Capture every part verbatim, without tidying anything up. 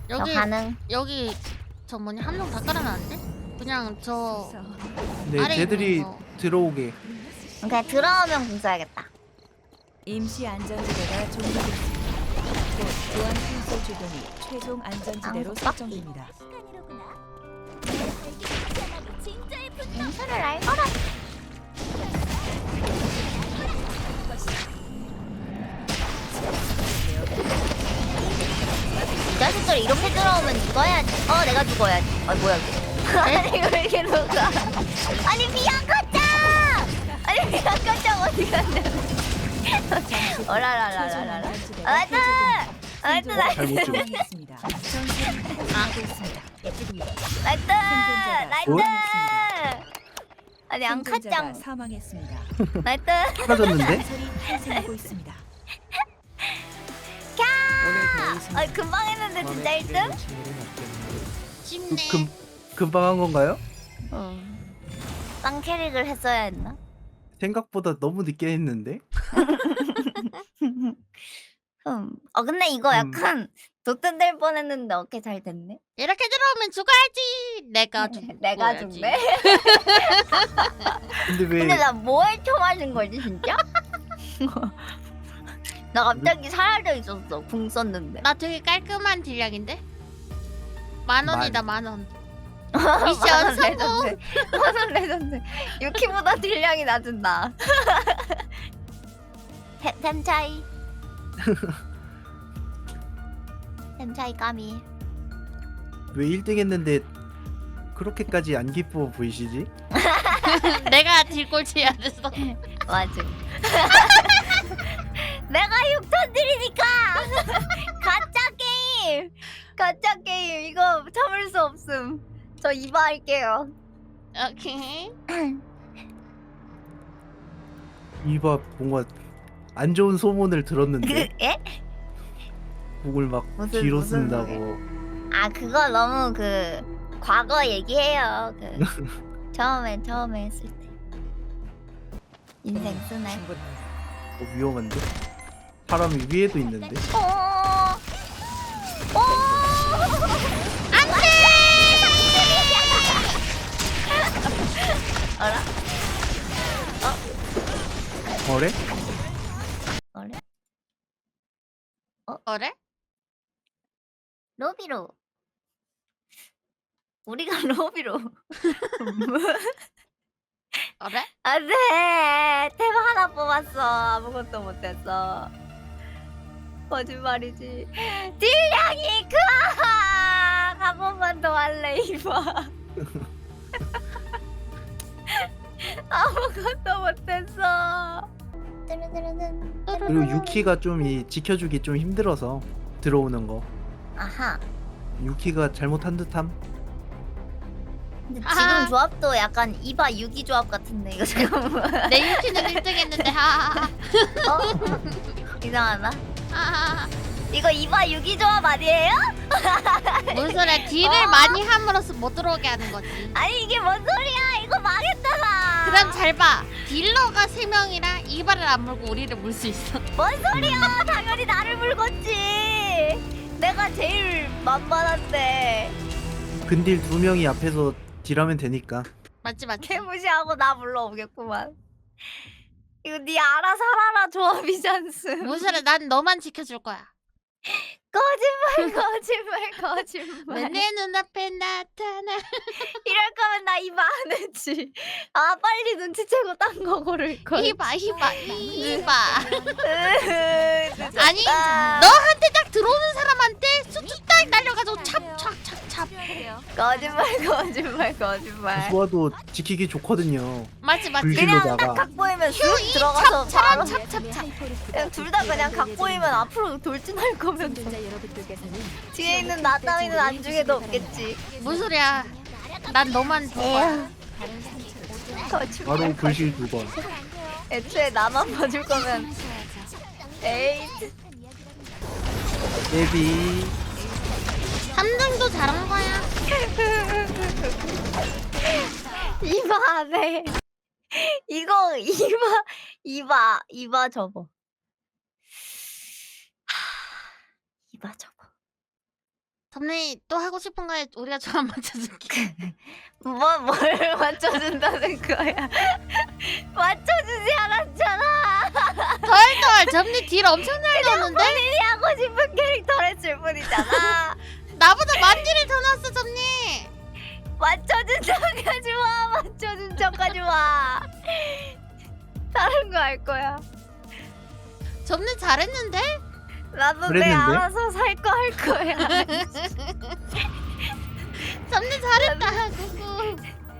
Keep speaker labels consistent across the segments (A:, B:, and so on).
A: 저
B: 여기
A: 가능.
B: 여기 저 뭐냐 한 명 다 깔아놨는데? 그냥 저
C: 네,
B: 아래
C: 쟤들이
B: 있는 거.
C: 들어오게.
A: 그냥 들어오면 궁 써야겠다.
D: 임시 안전지대가 종료됐습니다. 곧 보안 콘솔 주변이 최종 안전지대로
A: 아,
D: 설정됩니다.
A: 인수를 알거라. 이 자식들 이렇게 들어오면 죽어야지. 어, 내가 죽어야지. 아, 뭐야 이거. 아니 이거 왜 이렇게 녹아. 아니 비앙카짱! 아니 비앙카짱 어디 갔냐. 어라라라라라. 나이스! 나이스 나이스!
C: 잘못 찍어.
D: 있습니다. 전투는 하고 있습니다.
A: 나이스! 나이스!
C: 뭐?
A: 아니
D: 생존자가
A: 앙카짱
D: 사망했습니다.
A: 나이스!
C: 사라졌는데?
D: 전설이 탄생하고 있습니다.
A: 캬! 아 금방 했는데 진짜 일 등?
B: 쉽네.
C: 그, 금, 금방 한 건가요?
A: 응. 쌍캐릭을 했어야 했나?
C: 생각보다 너무 늦게 했는데?
A: 음. 어 근데 이거
C: 음.
A: 약간 도뜬될 뻔했는데 어깨 잘 됐네.
B: 이렇게 들어오면 죽어야지. 내가 죽.
A: 내가 죽네.
C: 근데 왜
A: 근데 나 뭐에 쳐맞은 거지 진짜? 나 갑자기 사라져 있었어. 궁 썼는데.
B: 나 되게 깔끔한 딜량인데? 만 원이다 만 원.
A: 만원
B: 미션 성공.
A: 레전드. 만원 레전드. 유키보다 딜량이 낮은 나. 템, 템 차이. 템 차이 까미.
C: 왜 일 등 했는데 그렇게까지 안 기뻐 보이시지?
B: 내가 딜꼴찌해야 됐어.
A: 맞아. 내가 육천 드리니까 가짜 게임. 가짜 게임 이거 참을 수 없음. 저 이바 할게요.
B: 오케이.
C: 이봐 뭔가 안 좋은 소문을 들었는데
A: 예?
C: 곡을 막
A: 무슨-
C: 뒤로
A: 무슨
C: 쓴다고.
A: 아 그거 너무 그 과거 얘기해요. 그 처음에 처음에 했을 때 인생 쓰네.
C: 어, 위험한데? 사람이 위에도 있는데?
A: 오. 오. 안돼. 알아?
C: 어래?
A: 어래?
B: 어래?
A: 로비로. 우리가 로비로.
B: 어래?
A: 안돼. 템 하나 뽑았어. 아무것도 못했어. 거짓말이지. 딜량이 크아. 한 번만 더 할래 이봐. 아무것도 못했어.
C: 그리고 유키가 좀 이 지켜주기 좀 힘들어서 들어오는 거.
A: 아하.
C: 유키가 잘못한 듯함?
A: 근데
B: 아하.
A: 지금 조합도 약간 이바 유기 조합 같은데 이거 잠깐만.
B: 내 유키는 일 등 했는데 하하하.
A: 어? 이상하다.
B: 하하하.
A: 이거 이바 유기 조합 아니에요?
B: 뭔 소리야? 딜을
A: 어?
B: 많이 함으로써 못 들어오게 하는 거지.
A: 아니 이게 뭔 소리야? 이거 망했잖아.
B: 그럼 잘 봐. 딜러가 세 명이라 이발을 안 물고 우리를 물 수 있어.
A: 뭔 소리야? 당연히 나를 물겠지. 내가 제일 만만한데.
C: 근딜 두 명이 앞에서 딜하면 되니까.
B: 맞지 맞지.
A: 개무시하고 나 불러오겠구만. 이거 네 알아 살아라 조합이잖스.
B: 뭔 소리야? 난 너만 지켜줄 거야.
A: 거짓말 거짓말 거짓말.
B: 왜 내 눈앞에 나타나?
A: 이럴 거면 나 이바 안 했지. 아 빨리 눈치채고 딴 거 고를 걸.
B: 이봐 이봐 이봐.
A: 늦었다.
B: 아니 너한테 딱 들어오는 사람한테 수트 딱 날려가지고 찹찹찹찹.
A: 거짓말 거짓말 거짓말.
C: 수아도 지키기 좋거든요.
B: 맞지 맞지.
C: 불길-
A: 그냥
C: 길로다가.
A: 딱 각 보이면 쑥 들어가서 바로
B: 찹찹찹.
A: 그냥 둘 다 그냥 각 보이면 앞으로 돌진할 거면 뒤에 있는 나 따위는 안중에도 없겠지.
B: 뭔 소리야? 난 너만 볼 거야.
A: 거짓말.
C: 바로 불실 두 번.
A: 애초에 나만 봐줄 거면 에이
C: 예비.
B: 삼 등도 잘한 거야.
A: 이봐 안해. 이거 이봐 이봐 이봐 접어. 하, 이봐 접어.
B: 점리 또 하고 싶은 거에 우리가 조합 맞춰줄게.
A: 뭐, 뭘 맞춰준다는 거야? 맞춰주지 않았잖아.
B: 덜덜 점리 딜 엄청 잘 넣는데?
A: 본인이 하고 싶은 캐릭터를 했을 뿐이잖아.
B: 나보다 만 딜을 더 넣었어 점리.
A: 맞춰준 척하지 마. 맞춰준 척하지 마. 다른 거 할 거야.
B: 점리 잘했는데?
A: 나도 내
C: 그랬는데?
A: 알아서 살 거 할 거야.
B: 점리 잘했다. 구구.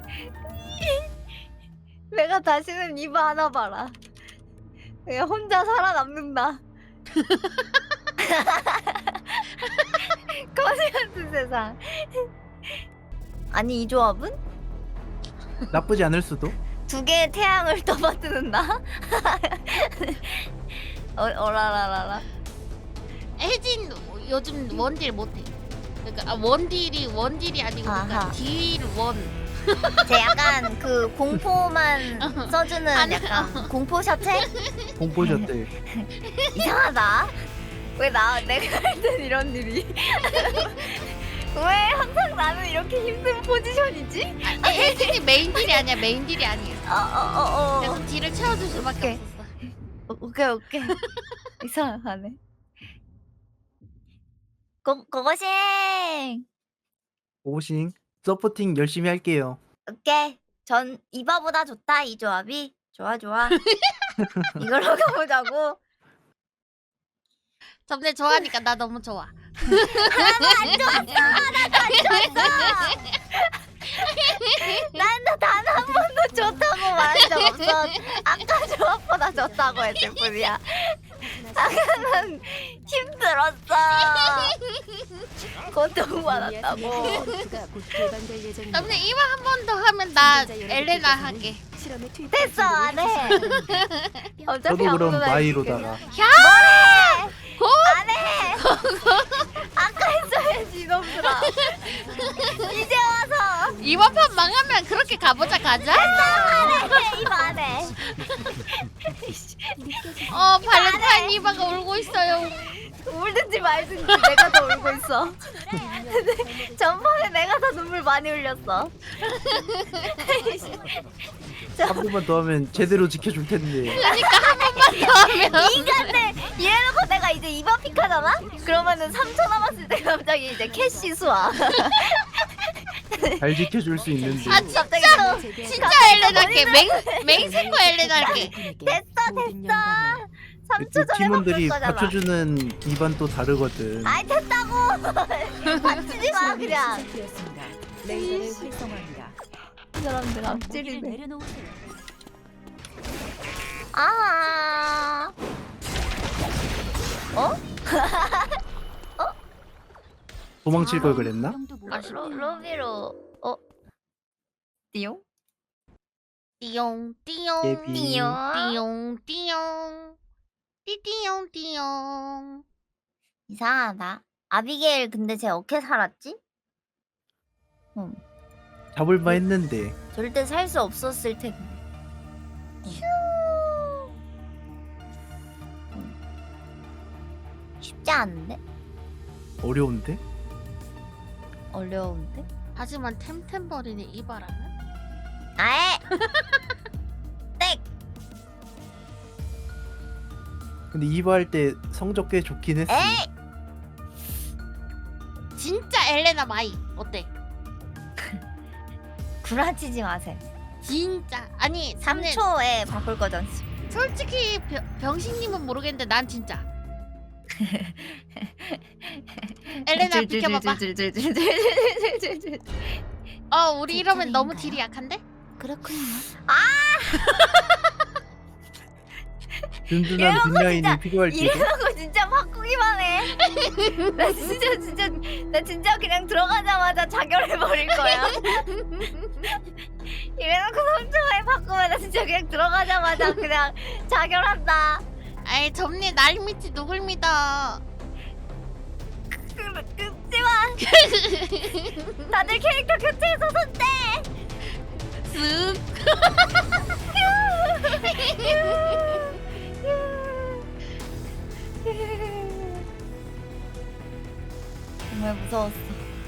A: 내가 다시는 입 안 와봐라. 내가 혼자 살아남는다. 거지 같은 세상. 아니 이 조합은
C: 나쁘지 않을 수도.
A: 두 개의 태양을 떠받드는 나? 어, 어라라라라.
B: 혜진 요즘 원딜 못해. 그러니까 아, 원딜이 원딜이 아니고
A: 아하.
B: 그러니까 딜 원.
A: 제 약간 그 공포만 써주는
B: 아니,
A: 약간 공포 셔틀?
C: 공포셨대.
A: 이상하다. 왜 나 내가 할 땐 이런 일이? 왜 항상 나는 이렇게 힘든 포지션이지?
B: 아, 혜진이 메인 딜이 아니야. 메인 딜이 아니야.
A: 어어어어.
B: 그래서 딜을 채워줄 수밖에
A: 오케이.
B: 없었어.
A: 오케이 오케이. 이상하네. 고 고고싱.
C: 오싱 서포팅 열심히 할게요.
A: 오케이. 전 이바보다 좋다 이 조합이. 좋아 좋아. 이걸로 가보자고.
B: 점리 좋아하니까 나 너무 좋아.
A: 하나도 안 좋았어. 하나도 안 좋았어. 난단 한 번도 좋다고 말한 적 없어. 아까 조합보다 좋다고 했을 뿐이야. 아까는 힘들었어. 고통받았다고.
D: 가 곧 개방될 예정입니다.
B: 점리 이거 한 번 더 하면 나 엘레나 할게.
D: 실험에 투입
A: 됐어 안 해. 어차피
C: 저도 그럼
A: 아무도 날
C: 마이로다가.
A: 뭐래? 안 해. 아까 했어야지 이놈들아. 이제 와서
B: 이번 판 망하면 그렇게 가보자 가자.
A: 안 해. 이거 안 해.
B: 어 발렌타인 이바가 울고 있어요.
A: 울든지 말든지 내가 더 울고 있어. 전판에 내가 더 눈물 많이 흘렸어.
C: 한 번만 더 하면 제대로 지켜줄 텐데.
B: 그러니까 한 번만 더 하면.
A: 이간데 이래놓고 내가 이제 이번 픽하잖아? 그러면은 삼 초 남았을 때 갑자기 이제 캐시 수와.
C: 잘 지켜줄 수 있는데.
B: 아 진짜
A: 갑자기 또
B: 진짜 엘레나 할게. 맹 맹생거 엘레나 할게.
A: 됐어 됐어. 삼 초
C: 또
A: 전에
C: 팀원들이
A: 바꿀 거잖아.
C: 받쳐주는 기반 또 다르거든.
A: 아이 됐다고. 받치지 마 그냥.
D: 시작되었습니다. 레이더를 활성화합니다.
A: 이 사람들
D: 거기를
A: 앞질이네.
D: 내려놓으세요.
A: 아. 어?
C: 도망칠 걸 그랬나?
A: 아, 로, 로비로 어? 띠용?
B: 띠용 띠용
C: 예비.
A: 띠용
B: 띠용 띠용 띠띠용 띠용.
A: 이상하다. 아비게일 근데 쟤 어떻게 살았지? 응.
C: 잡을만 했는데.
A: 절대 살 수 없었을 텐데. 휴. 응. 쉽지 않은데?
C: 어려운데?
A: 어려운데?
B: 하지만 템템버린의 이바라는
A: 아에! 땡!
C: 근데 이바 할 때 성적 꽤 좋긴 했어.
A: 에이!
B: 진짜 엘레나 마이 어때?
A: 구라치지 마세요.
B: 진짜 아니
A: 삼
B: 근데
A: 초에 바꿀 거잖아.
B: 솔직히 병, 병신님은 모르겠는데 난 진짜 엘레나 비켜봐봐.
A: 줄줄줄줄줄줄줄줄줄줄.
B: 어 우리 이러면 너무 딜이 약한데?
A: 그렇군요.
C: 든든한
A: 이런 거
C: 뒷라인이
A: 진짜
C: 필요할 때도.
A: 이래놓고 진짜 바꾸기만 해. 나 진짜 진짜 나 진짜 그냥 들어가자마자 자결해버릴 거야. 이래놓고 삼 초에 바꾸면 나 진짜 그냥 들어가자마자 그냥 자결한다.
B: 아이 점리 날 믿지 누굴 믿어.
A: 그, 그지만 다들 캐릭터 교체해서 손대.
B: 쓱.
A: 정말 무서웠어.